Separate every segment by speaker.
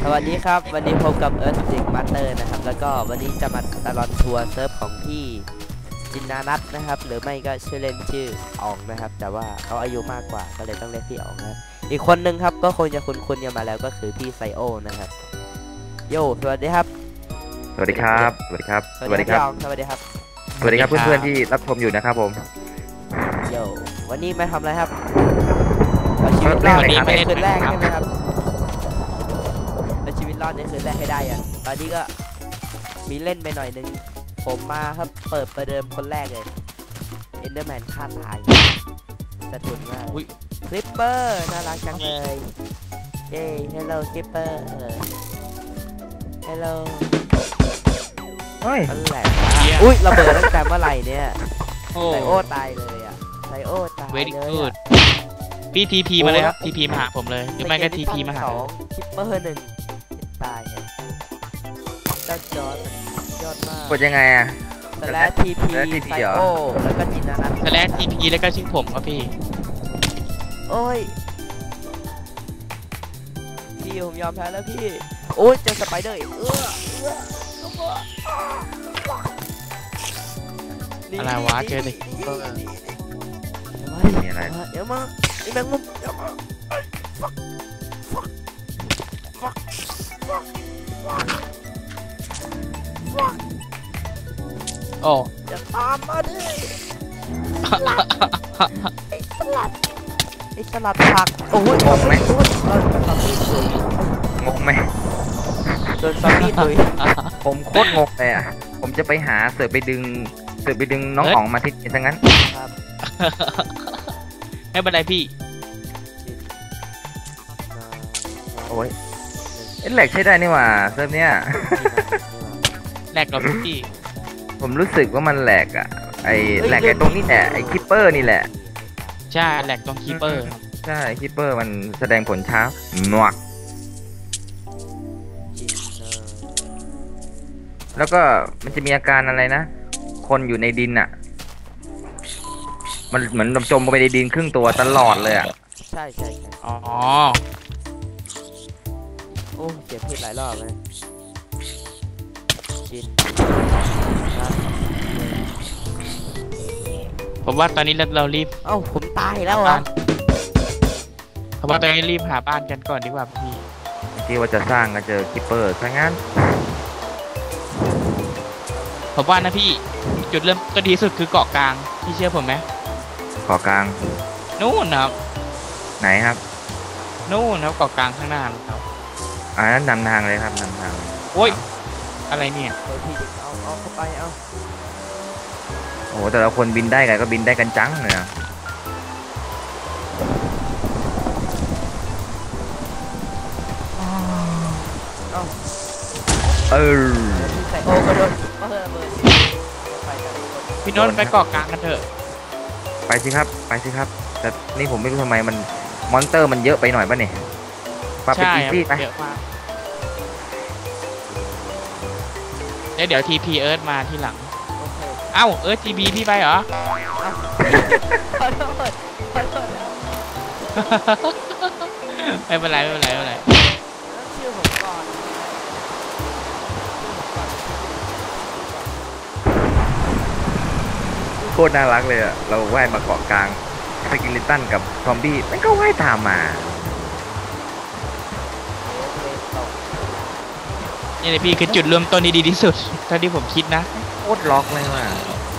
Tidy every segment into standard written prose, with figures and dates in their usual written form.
Speaker 1: สวัสดีครับวันนี้พบกับเอิร์ธจิกมาสเตอร์นะครับแล้วก็วันนี้จะมาตลอดทัวร์เซิร์ฟของพี่จินนานัทนะครับหรือไม่ก็ชื่อเล่นชื่ออองนะครับแต่ว่าเขาอายุมากกว่าก็เลยต้องเรียกพี่อองนะอีกคนนึงครับก็คงจะคุ้นๆกันมาแล้วก็คือพี่ไซโอนะครับโย่สวัสดีครับ
Speaker 2: สวัสดีครับสวัสดีครับ
Speaker 1: สวัสดีครับสวัสดีครับ
Speaker 2: สวัสดีครับเพื่อนๆที่รับชมอยู่นะครับผม
Speaker 1: โย่วันนี้มาทำอะไรครับชีวิตรอดในคืนแรกใช่ไหมครับชีวิตรอดในคืนแรกให้ได้อะตอนนี้ก็มีเล่นไปหน่อยนึงผมมาครับเปิดประเดิมคนแรกเลยเอนเดอร์แมนฆ่าตายสะทุนมากคลิปเปอร์น่ารักจังเลยเย้ฮัลโหลคลิปเปอร์ฮัลโหลนั่นแหละอุ้ยระเบิดตั้งแต่เมื่อไหร่เนี่ยไซโอตายเลยอ่ะไซโอตายเลย
Speaker 3: พี่ทีพีมาเลยครับทีพีมาหาผมเลยหรือไม่ก็ทีพีมาหา
Speaker 1: คลิปเปอร์หนึ่งตายครับเจ้าจอร์ดยอดมาก
Speaker 2: กดยังไงอ่ะ
Speaker 1: สแลชทีพีไซโอแล้วก็จินนานัท
Speaker 3: สแลชทีพีแล้วก็ชื่อผมครับพี่
Speaker 1: โอ้ยพี่ผมยอมแพ้แล้วพี่โอ้ยเจอสไปเดอร์อีก
Speaker 3: อะไรวะเจอเลย
Speaker 2: มีอะไร
Speaker 1: เดี๋ยวมาไอ้แมงมุม
Speaker 3: โอ้
Speaker 1: จะตามมาดิไอ้สลัดผักโอ้ย
Speaker 2: งงไหม
Speaker 1: เราซอมบี้ถุย
Speaker 2: งงไหม
Speaker 1: โดนซอมบี้ถุย
Speaker 2: ผมโคตรงงเลยอ่ะผมจะไปหาเสือไปดึงน้องอ๋องมาที่นี่ซะงั้น
Speaker 1: ครับ
Speaker 3: ไม่เป็นไรพี่
Speaker 2: โอ้ยแหลกใช้ได้นี่หว่าเซิร์ฟเนี้ย
Speaker 3: แหลกกับพี่
Speaker 2: ผมรู้สึกว่ามันแหลกอ่ะไอแหลกไอตรงนี้แหละไอคิปเปอร์นี่แหละ
Speaker 3: ใช่แหลกตรงคิปเปอร์
Speaker 2: ใช่คิปเปอร์มันแสดงผลช้าหนวกแล้วก็มันจะมีอาการอะไรนะคนอยู่ในดินอ่ะมันเหมือนจมไปในดินครึ่งตัวตลอดเลยอ่ะ
Speaker 1: ใช่
Speaker 3: อ๋อ
Speaker 1: โอ้เจ็บพิษหลายรอบเลยจิน
Speaker 3: ผมว่าตอนนี้เรารีบ
Speaker 1: เอ้าผมตายแล้วอ่ะ
Speaker 3: ผมว่าตอนนี้รีบหาบ้านกันก่อนดีกว่าพี่
Speaker 2: ที่ว่าจะสร้างก็เจอคิปเปอร์ซะงั้น
Speaker 3: ผมว่านะพี่จุดเริ่มก็ดีสุดคือเกาะกลางพี่เชื่อผมไหม
Speaker 2: เกาะกลาง
Speaker 3: นู่นครับ
Speaker 2: ไหนครับ
Speaker 3: นู่นครับเกาะกลางข้างหน้าครับ
Speaker 2: นั้นนำทางเลยครับนำทาง
Speaker 3: โอ้ยอะไรเนี่ย
Speaker 1: พี่เอาเข้าไปเอา
Speaker 2: โอ้แต่ละคนบินได้กันก็บินได้กันจังเลยนะ
Speaker 1: โอ้กระโดด
Speaker 3: พี่นนท์ไปเกาะกลางกันเถอะ
Speaker 2: ไปสิครับแต่นี่ผมไม่รู้ทำไมมันมอนสเตอร์มันเยอะไปหน่อยป่ะเนี่ยปรับเป็นอีซี่ไป
Speaker 3: เดี๋ยวทีพีเอิร์ธมาที่หลังเอ้าเอิร์ธทีบีพี่ไปเหรอไม่เป็นไร
Speaker 1: ชื่อผมก่อน
Speaker 2: โคตรน่ารักเลยอ่ะเราว่ายมาเกาะกลางสกิลิตันกับซอมบี้มันก็ว่ายตามมา
Speaker 3: นี่เลยพี่คือจุดเริ่มต้นที่ดีที่สุดเท่าที่ผมคิดนะ
Speaker 2: โคตรล็อกเลยว่ะ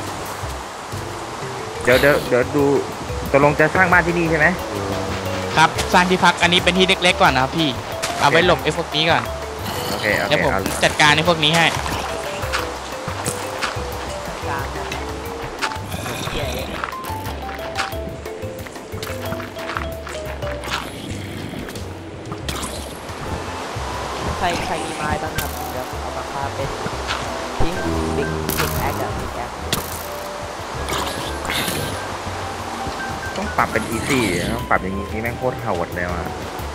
Speaker 2: เดี๋ยวดูตกลงจะสร้างบ้านที่นี่ใช่ไหม
Speaker 3: ครับสร้างที่พักอันนี้เป็นที่เล็กๆก่อนนะครับพี่เอาไว้หลบไอ้พวกนี้ก่อน
Speaker 2: โอเค
Speaker 3: เดี๋ยวผมจัดการไอ้พวกนี้ให้
Speaker 1: ใครมีไม้บ้างครับเดี๋ยวเอามาฆ่าเป็นทิ้งบิ๊กแอคอะบิ๊กแอค
Speaker 2: ต้องปรับเป็นอีซี่ต้องปรับอย่างนี้แม่งโคตรโหดเลยว่ะ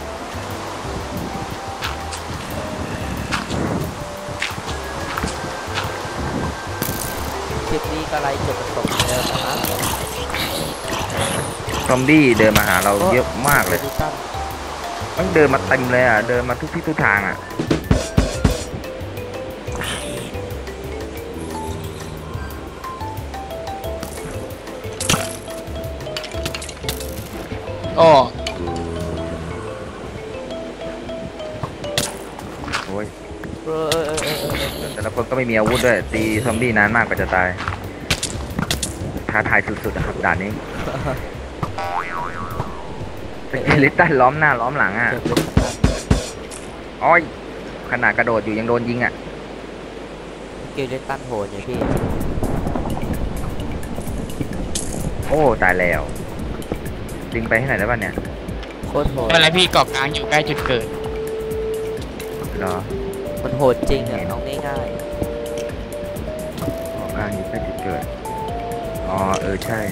Speaker 1: คลิปนี้ก็ไล่จุดประสงค์เดิมนะ
Speaker 2: ซอมบี้เดินมาหาเราเยอะมากเลยมันเดินมาเต็มเลยอ่ะเดินมาทุกที่ทุกทางอ่ะ
Speaker 3: โอ้
Speaker 2: โอ้ย
Speaker 1: เออเออเออเออเออ
Speaker 2: แต่ละคนก็ไม่มีอาวุธด้วยตีซอมบี้นานมากกว่าจะตายท้าทายสุดๆนะครับด่านนี้สเกลิตันล้อมหน้าล้อมหลังอ่ะ
Speaker 1: เกือบเป็นสตาร์ท
Speaker 2: อ้อยขนาดกระโดดอยู่ยังโดนยิงอ่ะ
Speaker 1: เกลเลตันโหดเนี่ยพี่
Speaker 2: โอ้ตายแล้วดึงไปให้ไหนแล้วบ้านเนี่ย
Speaker 1: โคตรโหด
Speaker 3: ไม่เป็นไรพี่เกาะกลางอยู่ใกล้จุดเกิด
Speaker 2: รอ
Speaker 1: มันโหดจริงอ่ะน้องง่าย
Speaker 2: ออกกลางอยู่ใกล้จุดเกิดอ๋อใช่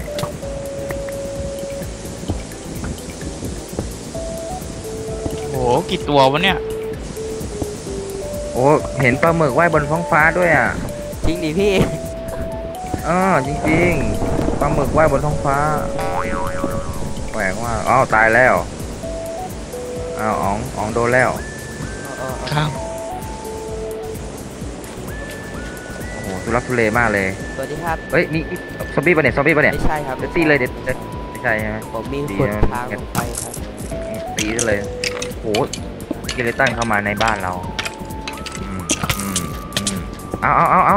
Speaker 3: โหกี่ตัววะเนี่ย
Speaker 2: โอ้เห็นปลาหมึกว่ายบนท้องฟ้าด้วยอ่ะ
Speaker 1: ๆจริงดิพี่
Speaker 2: จริงๆปลาหมึกว่ายบนท้องฟ้าแปลกว่าอ้าวตายแล้วอ้าวอ๋องโดนแล้ว
Speaker 3: ครับ
Speaker 2: โอ้โหทุลักทุเลมากเลย
Speaker 1: สวัสดีครับ
Speaker 2: เฮ้ยนี่ซอมบี้ปะเนี่ยซอมบี้ปะเนี่ย
Speaker 1: ไม่ใช่ครับ
Speaker 2: เดี๋ยวตีเลยเดี๋ยวไม่ใช่ใช่ไหม
Speaker 1: ผมมี
Speaker 2: ดี
Speaker 1: ขุด
Speaker 2: นะ
Speaker 1: ทางลงไปครับ
Speaker 2: ตีซะเลยโอ้โหสเกเลตันเข้ามาในบ้านเราอืมอืมอืมเอา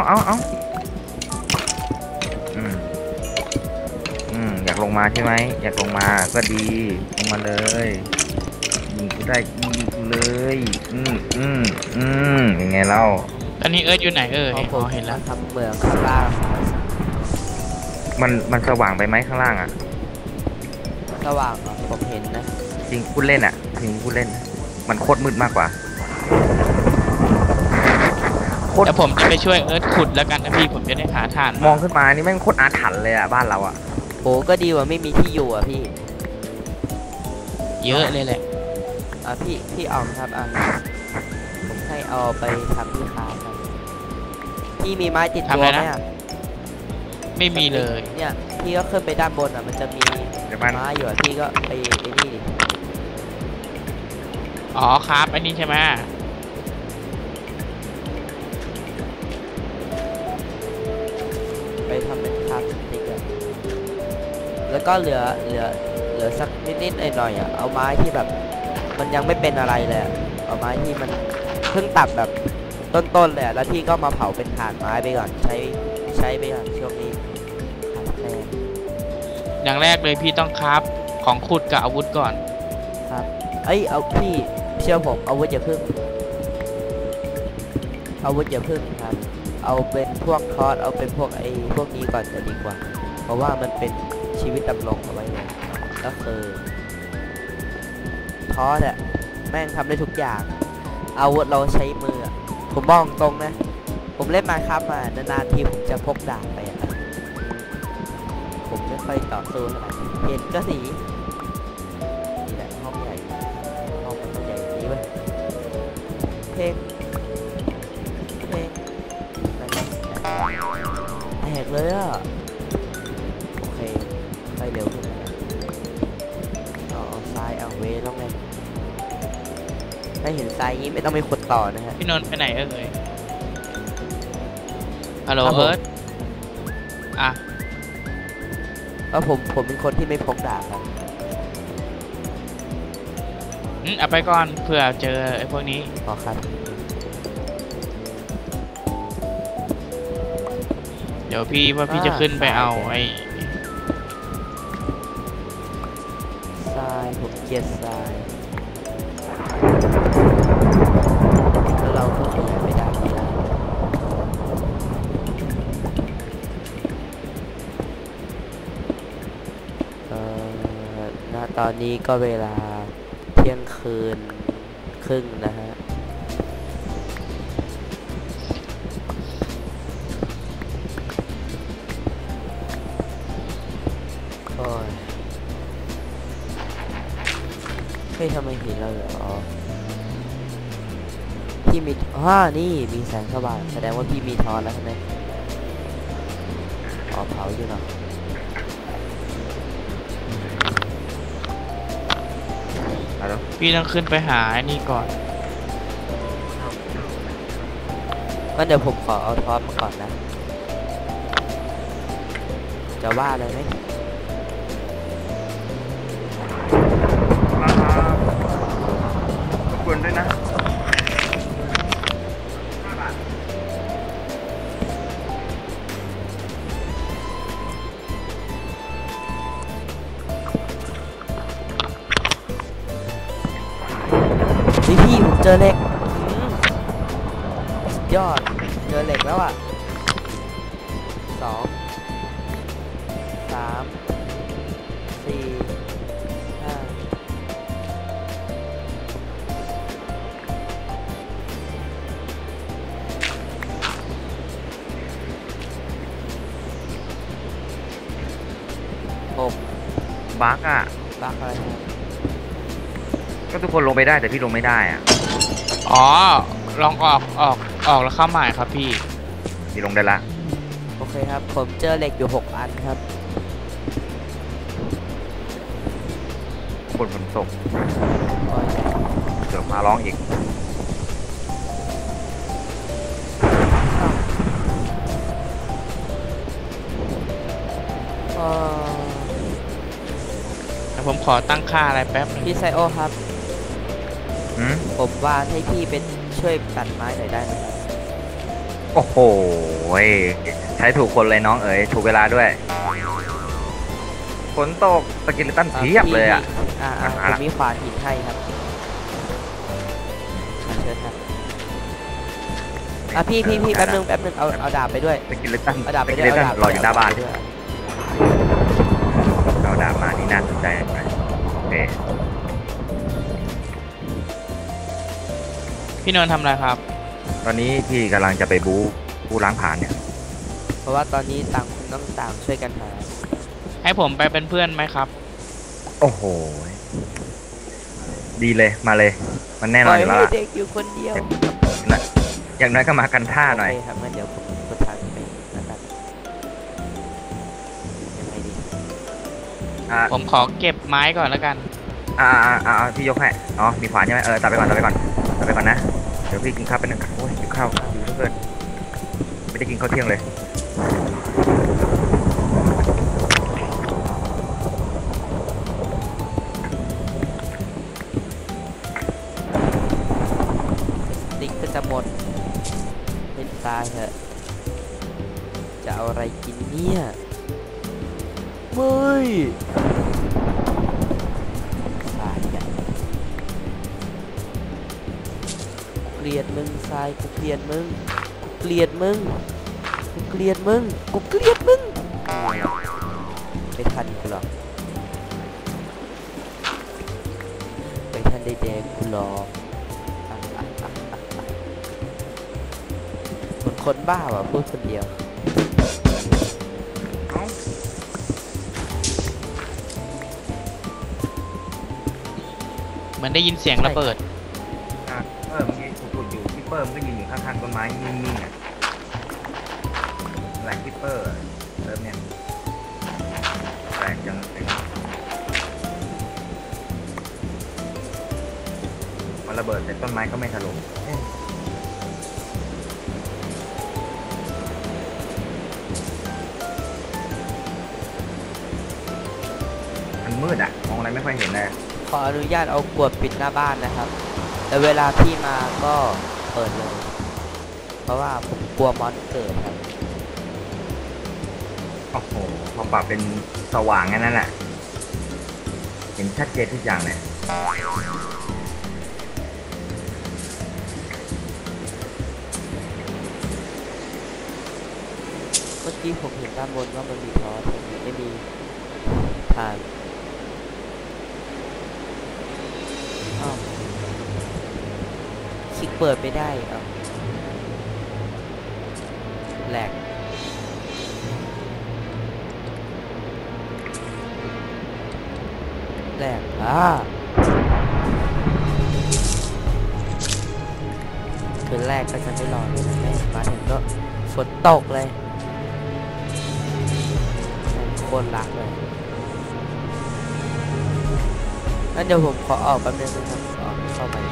Speaker 2: อืมอยากลงมาใช่ไหมอยากลงมาก็ดีลงมาเลยยิงกูได้ยิงกูเลยยังไงเล่า
Speaker 3: ตอนนี้เอิร์ธอยู่ไหนเอ่ย
Speaker 1: เพราะผ
Speaker 3: อ๋อ
Speaker 1: ม
Speaker 3: เห็นแล้ว
Speaker 1: ทำเหมืองข้างล่าง
Speaker 2: มันสว่างไปไหมข้างล่างอ่ะ
Speaker 1: สว่างเหรอผมเห็นนะ
Speaker 2: จริงพูดเล่นอ่ะจริงพูดเล่น มันโคตรมืดมากกว่าโคตร
Speaker 3: แต่ผมจะไปช่วยเอิร์ธขุดแล้วกันนะพี่ผมจะได้หาทาน
Speaker 2: มองขึ้นมานี่แม่งโคตรอาถรรพ์เลยอ่ะบ้านเราอ่ะ
Speaker 1: โอ้ก็ดีกว่าไม่มีที่อยู่อ่ะพี่
Speaker 3: เยอะเลยแหละ
Speaker 1: พี่ออมครับผมให้เอาไปทำที่ค้าครับพี่มีไม้ติดตัวไหมอ่ะ
Speaker 3: ไม่มีเลย
Speaker 1: เนี่ยพี่ก็ขึ้นไปด้านบนอ่ะมันจะมี
Speaker 2: เดี๋ยวมัน
Speaker 1: ไม้อยู่อ่ะพี่ก็ไปนี่ดิ
Speaker 3: อ๋อครับอันนี้ใช่ไหม
Speaker 1: ไปทำเป็นคราฟสติ๊กอ่ะแล้วก็เหลือสักนิดๆหน่อยๆอ่ะเอาไม้ที่แบบมันยังไม่เป็นอะไรเลยอะเอาไม้ที่มันเพิ่งตัดแบบต้นๆเลยอะแล้วพี่ก็มาเผาเป็นถ่านไม้ไปก่อนใช้ไปก่อนช่วงนี้ขาดแคลน
Speaker 3: อย่างแรกเลยพี่ต้องครับของขุดกับอาวุธก่อน
Speaker 1: ครับเอาพี่เชื่อผมอาวุธอย่าพึ่งครับเอาเป็นพวกคอร์สเอาเป็นพวกพวกนี้ก่อนจะดีกว่า เพราะว่ามันเป็นชีวิตดำรงเอาไว้เลยก็คือคอร์สอะแม่งทำได้ทุกอย่างอาวุธเราใช้มืออะผมมองตรงนะผมเล่นมาครับมานานๆทีผมจะพกดาบไปอะผมไม่ค่อยต่อสู้เท่าไหร่เห็นก็สีนี่แหละห้องใหญ่ห้องมันต้องใหญ่อย่างนี้เว้ยเพลงแตกเลยอ่ะโอเคไปเร็วขึ้นแล้วเอาซ้ายเอาเวแล้วไงถ้าเห็นซ้ายงี้ไม่ต้องไปขุดต่อนะฮะ
Speaker 3: พี่นนท์ไปไหนเอ่ยฮัลโหล
Speaker 1: ครับผม
Speaker 3: เอิร์ธอ่ะ
Speaker 1: เพราะผมเป็นคนที่ไม่พกดาบครับ
Speaker 3: เอาไปก่อนเผื่อเจอไอ้พวกนี้
Speaker 1: ขอครับ
Speaker 3: เดี๋ยวพี่ว่าพี่จะขึ้นไปเอาไอ้
Speaker 1: ทรายผมเกลียดทรายแล้วเราก็ขยับไปได้ไม่ได้ณตอนนี้ก็เวลาเที่ยงคืนครึ่งนะฮะโอ้ยเฮ้ยทำไมเห็นเราเหรอพี่มีนี่มีแสงสว่างแสดงว่าพี่มีทอนแล้วใช่ไหมเผาอยู่เนาะ
Speaker 3: พี่ต้องขึ้นไปหาไอ้นี่ก่อน
Speaker 1: งั้นเดี๋ยวผมขอเอาท็อปมาก่อนนะ จะว่าเลยไหม
Speaker 2: รบกวนด้วยนะ
Speaker 1: พี่ผมเจอเหล็กสุดยอด เจอเหล็กแล้วอ่ะ 2 3 4 5 6
Speaker 2: บั๊กอ่ะ
Speaker 1: บักอะไรครับ
Speaker 2: ก็ทุกคนลงไปได้แต่พี่ลงไม่ได้อ่ะ
Speaker 3: อ๋อ ลองออกแล้วเข้าใหม่ครับพี่
Speaker 2: พี่ลงได้ละ
Speaker 1: โอเคครับ ผมเจอเหล็กอยู่ 6 อันครับ
Speaker 2: คนฝนตก
Speaker 1: โอ้ย
Speaker 2: เสือฟ้าร้องอีก
Speaker 1: เอ่อ
Speaker 3: แต่ผมขอตั้งค่าอะไรแป๊บหนึง
Speaker 1: พี่ไซโอครับ
Speaker 2: หืม
Speaker 1: ผมว่าให้พี่เป็นช่วยตัดไม้หน่อยได้ไหมครับ
Speaker 2: โอ้โหยใช้ถูกคนเลยน้องเอ๋ย ถูกเวลาด้วย ฝนตกสกิลตันเทียบเลยอ่ะ
Speaker 1: ผมมีขวานหินให้ครับเชิญครับพี่แป๊บนึงเอาดาบไปด้วย
Speaker 2: สกิลตัน
Speaker 1: เอาดาบ
Speaker 2: ส
Speaker 1: ไป
Speaker 2: กิ
Speaker 1: ด้ว
Speaker 2: ล
Speaker 1: ย
Speaker 2: ตันรออยู่หน้าบ้าน
Speaker 1: เอดบไปด้วย
Speaker 2: เอาดาบมานี่น่าสนใจหน่อยโอเค
Speaker 3: พี่นนท์ทำอะไรครับ
Speaker 2: ตอนนี้พี่กำลังจะไปบู๊ผู้ล้างผ่านเนี่ย
Speaker 1: เพราะว่าตอนนี้ต่างคนต้องต่างช่วยกันหา
Speaker 3: ให้ผมไปเป็นเพื่อนไหมครับ
Speaker 2: โอ้โห ดีเลยมาเลย มันแน่น
Speaker 1: ป
Speaker 2: อ
Speaker 1: ล่
Speaker 2: น
Speaker 1: อย
Speaker 2: อยู่แล้ว
Speaker 1: ให้
Speaker 2: ล่ะ
Speaker 1: เด็กอยู่คนเดียว
Speaker 2: อย่างน้อยก็มากันท่าหน่อย
Speaker 1: โอเคครับงั้นเดี๋ยวผมกดทางไปนะครับยังไงดี
Speaker 2: อ่า
Speaker 3: ผมขอเก็บไม้ก่อนแล้วกัน
Speaker 2: พี่ยกให้ อ๋อ มีขวานใช่ไหมตัดไปก่อนตัดไปก่อนนะ เดี๋ยวพี่กินข้าวไปหนึ่งโอ้ยกินข้าวอยู่เหลือเกินไม่ได้กินข้าวเที่ยงเลย
Speaker 1: ติ๊กก็จะหมดเป็นตายเถอะจะเอาอะไรกินเนี่ยมึยทรายอะเกลียดมึงทรายกูเกลียดมึงกูเกลียดมึงกูเกลียดมึงกูเกลียดมึงไม่ทันกูหรอกไม่ทันได้แดงกูหรอกเหมือนคนบ้าว่ะพูดคนเดียว
Speaker 3: เหมือนได้ยินเสียงระเบิด
Speaker 2: เมื่อกี้ขุดอยู่คิปเปอร์มันก็ยืนอยู่ข้างๆต้นไม้นิ่งๆอ่ะแหล่งคิปเปอร์เริ่มเนี่ยแปลกจังเลยมันระเบิดแต่ต้นไม้ก็ไม่ถล่มเอ๊ะมันมืดอ่ะมองอะไรไม่ค่อยเห็นเลย
Speaker 1: ขออนุญาตเอากวดปิดหน้าบ้านนะครับ แต่เวลาพี่มาก็เปิดเลย เพราะว่าผมกลัวมอนเกิดครับ
Speaker 2: โอ้โหพอปรับเป็นสว่างแค่นั้นแหละเห็นชัดเจนทุกอย่างเลย
Speaker 1: เมื่อกี้ผมเห็นด้านบนว่ามันมีทอสไม่มีทางอ้าวคลิกเปิดไม่ได้อ้าวแหลกคืนแรกก็จะไม่รอเลยนะแม่มาถึงก็ฝนตกเลยโคตรรักเลยงั้นเดี๋ยวผมขอออกแป๊บนึงนะครับเข้าไป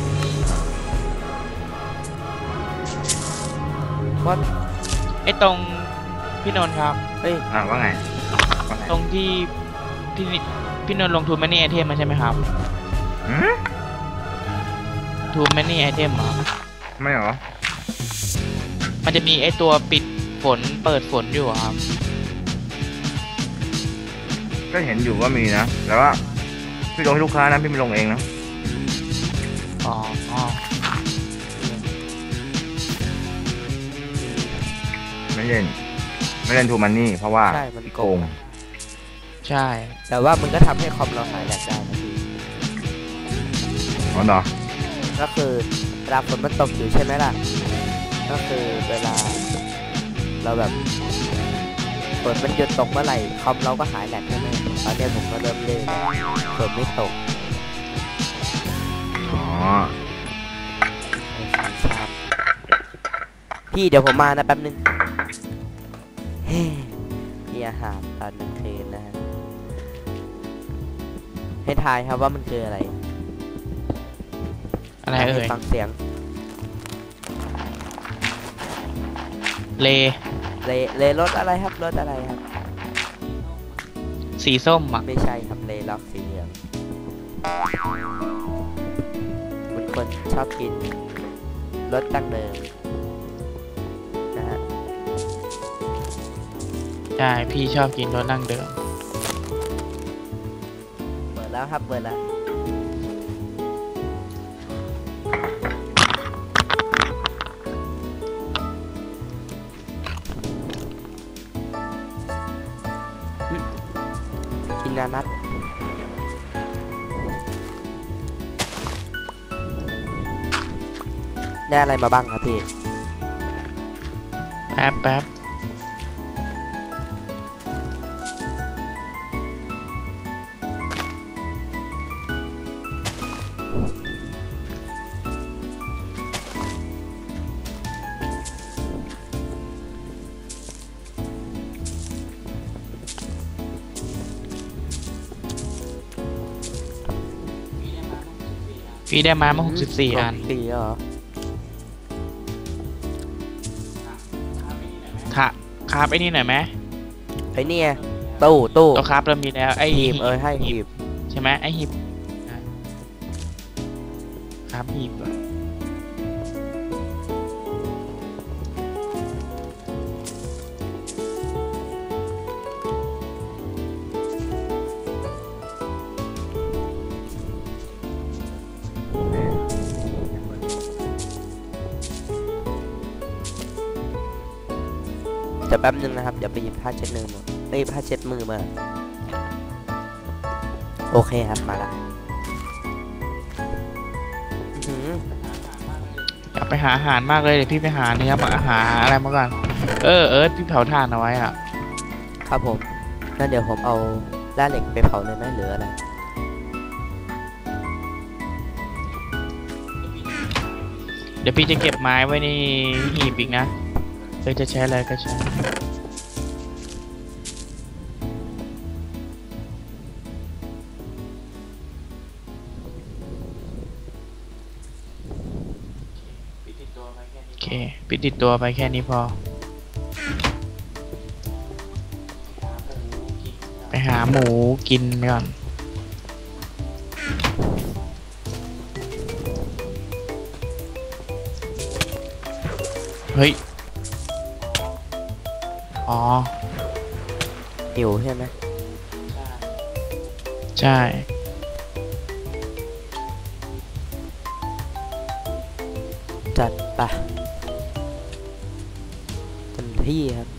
Speaker 1: ว่า
Speaker 3: ไอ้ตรงพี่นนท์ครับ
Speaker 1: เฮ้ย
Speaker 2: ว่าไงว่าไง
Speaker 3: ตรงที่พี่นนท์ลงทุนแมนี่ไอเทมมาใช่ไหมครับ
Speaker 2: หืม
Speaker 3: ทูแมนี่ไอเทมครับ
Speaker 2: ไม่เหรอ
Speaker 3: มันจะมีไอตัวปิดฝนเปิดฝนอยู่อะครับ
Speaker 2: ก็เห็นอยู่ว่ามีนะแต่ว่าพี่ลงให้ลูกค้านะพี่ไม่ลงเองนะ
Speaker 3: อ๋อ
Speaker 2: ไม่เล่นทูมันนี่เพราะว่า
Speaker 1: ใช่มัน
Speaker 2: พี่
Speaker 1: โก
Speaker 2: โก
Speaker 1: ง
Speaker 2: ง
Speaker 3: ใช่
Speaker 1: แต่ว่ามันก็ทำให้คอมเราหายแหลกได้นะพี่
Speaker 2: อ๋อเหรอ
Speaker 1: ก็คือเวลาฝนมันตกอยู่ใช่ไหมล่ะก็คือเวลาเราแบบฝนมันหยุดตกเมื่อไหร่คอมเราก็หายแหลกแน่ๆตอนนี้ผมก็เริ่มเล่นฝนไม่ตก
Speaker 2: อ๋อ
Speaker 1: ครับพี่เดี๋ยวผมมานะแป๊บนึงเฮ้มีอาหารตอนกลางคืนนะฮะให้ทายครับว่ามันคืออะไร
Speaker 3: อะไรเอ่ย
Speaker 1: ให้ฟังเสียง
Speaker 3: เล
Speaker 1: เลรถอะไรครับรถอะไรครับ
Speaker 3: สีส้มอ่ะ
Speaker 1: ไม่ใช่ครับเลล็อกสีเหลืองคุณคนชอบกินรสดั้งเดิมนะฮะ
Speaker 3: ใช่พี่ชอบกินรสดั้งเดิม
Speaker 1: เปิดแล้วครับเปิดแล้วกินนานัทได้อะไรมาบ้างครับพี่
Speaker 3: แป๊บพี่ได้มา64 อัน
Speaker 1: ปีเหรอ
Speaker 3: ครับไอ้นี่หน่อยไหม
Speaker 1: ไอ้เนี่ยตู้
Speaker 3: ตัวครับเรามีแล้วไอ้
Speaker 1: หีบให้หีบ
Speaker 3: ใช่ไหมไอ้หีบครับหีบอะ
Speaker 1: จะแป๊บนึงนะครับเดี๋ยวไปหยิบผ้าเช็ดมือมาผ้าเช็ดมือมาโอเคครับมาละอื้อหือ
Speaker 3: อยากไปหาอาหารมากเลยเดี๋ยวพี่ไปหาเนื้อมาหาอะไรมาก่อนพี่เผาถ่านเอาไว้อ่ะ
Speaker 1: ครับผมงั้นเดี๋ยวผมเอาแร่เหล็กไปเผาเลยไหมหรืออะไร
Speaker 3: เดี๋ยวพี่จะเก็บไม้ไว้ในหีบอีกนะจะใช้อะไรก็ใช้โอเคปิดติดตัวไปแค่นี้พอไปหาหมูกินก่อนเฮ้ยอ๋อ
Speaker 1: หิวใช่ไหม
Speaker 3: ใช่
Speaker 1: จัดไปเต็มที่ครับ